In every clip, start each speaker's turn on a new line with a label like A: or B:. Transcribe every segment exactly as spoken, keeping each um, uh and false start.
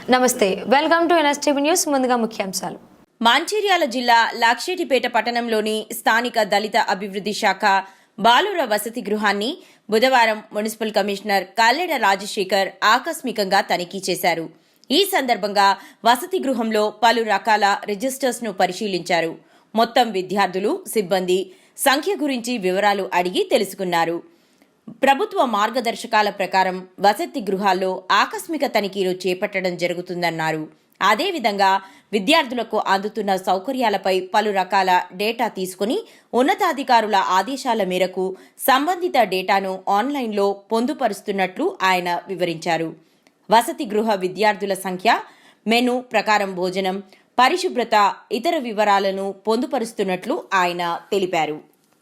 A: నమస్తే, welcome to NSTV news. ముందుగా ముఖ్యాంశాలు.
B: మంచిర్యాల జిల్లా లక్షెట్టిపేట పట్టణంలోని స్థానిక దళిత అభివృద్ధి శాఖ బాలుర వసతి గృహాన్ని బుధవారం మున్సిపల్ కమిషనర్ కల్లెడ రాజశేఖర్ ఆకస్మికంగా తనిఖీ చేశారు. ఈ సందర్భంగా వసతి గృహంలో పలు రకాల రిజిస్టర్స్ ను పరిశీలించారు. మొత్తం విద్యార్థులు, సిబ్బంది సంఖ్య గురించి వివరాలు అడిగి తెలుసుకున్నారు. ప్రభుత్వ మార్గదర్శకాల ప్రకారం వసతి గృహాల్లో ఆకస్మిక తనిఖీలు చేపట్టడం జరుగుతుందన్నారు. అదేవిధంగా విద్యార్థులకు అందుతున్న సౌకర్యాలపై పలు రకాల డేటా తీసుకుని ఉన్నతాధికారుల ఆదేశాల మేరకు సంబంధిత డేటాను ఆన్లైన్లో పొందుపరుస్తున్నట్లు ఆయన వివరించారు. వసతి గృహ విద్యార్థుల సంఖ్య, మెను ప్రకారం భోజనం, పరిశుభ్రత, ఇతర వివరాలను పొందుపరుస్తున్నట్లు ఆయన తెలిపారు.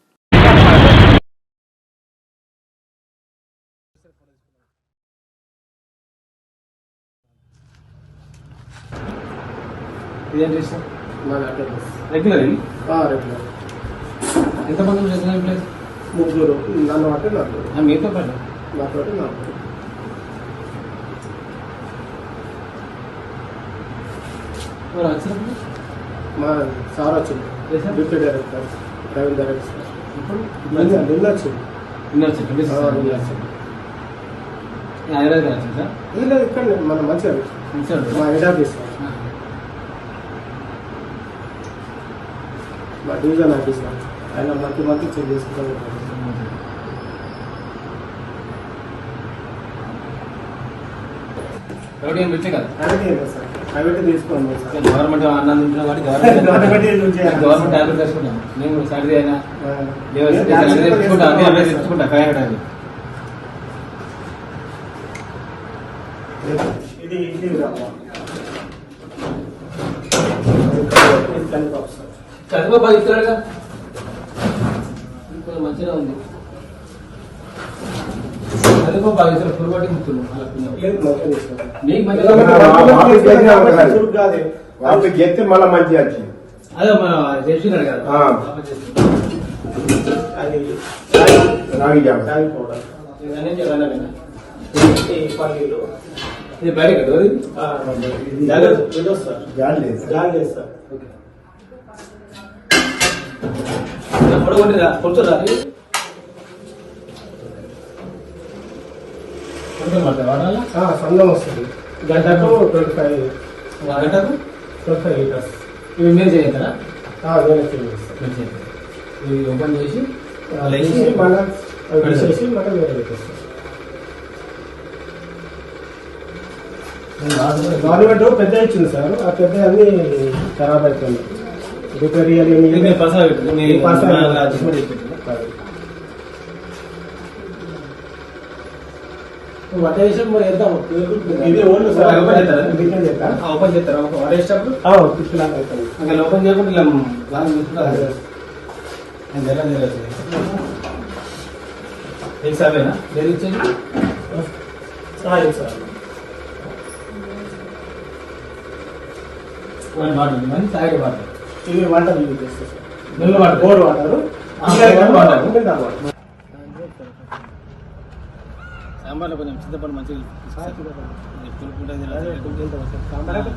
C: ఇదేంటి సార్? రెగ్యులర్ రెగ్యులర్ ఎంతమంది రెగ్యులర్ ఎంప్లాయీస్?
D: ముగ్గురు. నన్ను అంటే నలుగురు.
C: మీతో పాటు
D: నాతో నలుగురు.
C: ఎవరు వచ్చినప్పుడు?
D: మా సార్ వచ్చింది, డిప్యూటీ డైరెక్టర్, ప్రైవేట్ డైరెక్టర్.
C: ఇప్పుడు
D: నిన్న నిన్న వచ్చింది.
C: నిన్న వచ్చింది
D: నిన్న వచ్చింది.
C: హైదరాబాద్ గారు వచ్చింది సార్?
D: లేదు, ఇక్కడ మన మంచిగా మా హెడ్ ఆఫీస్, మా డివిజన్ ఆఫీస్. ఆయన మంత్లీ మంత్లీ చెక్ చేసుకుంటారు.
C: ఎవరు ఏం వచ్చే కదా?
D: ప్రైవేట్ సార్, ప్రైవేట్ తీసుకోండి సార్.
C: గవర్నమెంట్ అన్నం తింటున్నాం కాబట్టి గవర్నమెంట్ గవర్నమెంట్ ట్యాబ్లెట్ తెచ్చుకుంటాం. మేము సాటర్డే అయినా తెచ్చుకుంటాం, అదే తెచ్చుకుంటా ఫైవ్ హండ్రెడ్.
D: ఇది ఇది
C: చదువు బాగా ఇస్తున్నాడుగా, ఇంకొంచెం మంచిగా ఉంది. చదువు బాగా ఇస్తారు, ఫుల్ పట్టి ముట్టున్నాం. మీకు మంచిగా
D: గెత్తే మళ్ళీ మంచిగా వచ్చింది.
C: అదే మన చేస్తున్నాడు కదా.
D: పల్లీలు
C: ఇది బయట కదా
D: గాలి లేదు సార్.
C: పొడగొట్టిరా కొంచెం వాడాలా?
D: సొంతం వస్తుంది. గంటకు ట్వంటీ ఫైవ్
C: గంటకు
D: ట్వంటీ ఫైవ్ లీటర్స్.
C: ఇవి మీరు చేయంటారా?
D: నేనే చేస్తాను.
C: ఇవి ఓపెన్ చేసి
D: మళ్ళీ తీసేసి మళ్ళీ వేరే పెట్టేస్తాం. గవర్నమెంట్ పెద్ద ఇచ్చింది సార్, ఆ పెద్ద అన్ని ఖరాబ్ అయిపోయింది. రిపేర్ చేయాలి.
C: ఓపెన్ చేస్తారా? వాడేసేటప్పుడు ఓపెన్ చేయకుండా సారేనా జరిగించేది
D: సార్.
C: వాటర్ మంది తాగే వాటర్,
D: ఇవి వాటర్ యూజ్ చేస్తారు sir.
C: Mill water,
D: bore water,
C: సాంబార్లో కొంచెం చింతపండు మంచిగా